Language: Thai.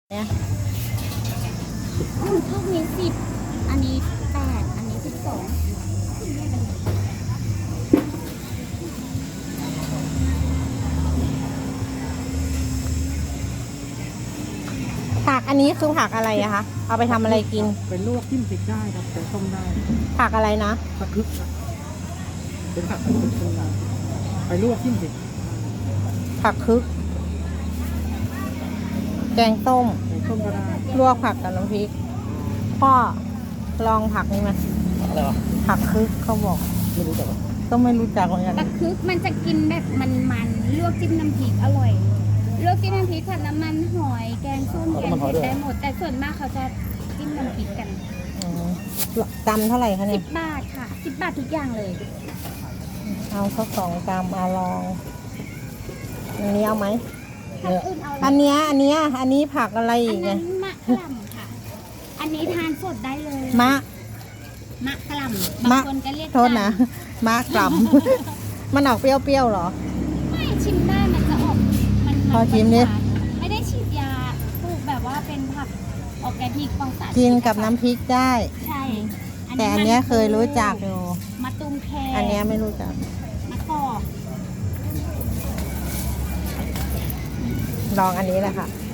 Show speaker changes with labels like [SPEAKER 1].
[SPEAKER 1] เนี่ย
[SPEAKER 2] พวกนี้10อันนี้8อันนี้12
[SPEAKER 1] ผักอันนี้คือผักอะไรอะคะเอาไปทำอะไรกิน
[SPEAKER 3] เป็นลวกจิ้มพริกได้ครับเป็นต้มได้
[SPEAKER 1] ผักอะไรนะ
[SPEAKER 3] ผักคึกครับเป็นผักคึกไปลวกจิ้มพริก
[SPEAKER 1] ผักคึกแกงต้ม
[SPEAKER 3] ก็ได้
[SPEAKER 1] ลวกผักกับน้ำพริกพ่อลองผักนี้ไหม
[SPEAKER 3] อะไรวะ
[SPEAKER 1] ผักคึกเขาบอก
[SPEAKER 3] ไม่รู้จัก
[SPEAKER 1] ก็ไม่รู้จักเหมือนกัน
[SPEAKER 2] ผักคึกมันจะกินแบบมันลวกจิ้มน้ำพริกอร่อยลวกจิ้มน้ำพริกผัดน้ำมันหอยแกงส้มแกงเผ็ดได้หมดแต่ส่วนมากเขาจะจิ้มน้ำพริกกัน
[SPEAKER 1] กรัมเท่าไหร่คะเนี่ย
[SPEAKER 2] 10 บาทค่ะ10 บาททุกอย่างเลย
[SPEAKER 1] เอาสัก2 กรัมลองอันนี้เอาไหม
[SPEAKER 2] อัน
[SPEAKER 1] นี้ผักอะไรอีก
[SPEAKER 2] เนี่
[SPEAKER 1] เนี่ย
[SPEAKER 2] มะกล่ำค่ะอันนี้ทานสดได้เลยมะกล่ำบางคนก็เรียก
[SPEAKER 1] โทษนะมะกล่ำมันออกเปรี้ยวๆหรอ
[SPEAKER 2] ไม่ชิมได้มันจะออกมัน
[SPEAKER 1] พอชิมดิ
[SPEAKER 2] ไม่ได้ฉีดยาปลูกแบบว่าเป็นผักออร์แกนิกปลอดสาร
[SPEAKER 1] กินกับน้ำพริกได้
[SPEAKER 2] ใช่
[SPEAKER 1] แต่อันนี้เคยรู้จักอยู่
[SPEAKER 2] มะตูมแค
[SPEAKER 1] อันนี้ไม่รู้จัก
[SPEAKER 2] มะกอก
[SPEAKER 1] ลองอันนี้แหละค่ะ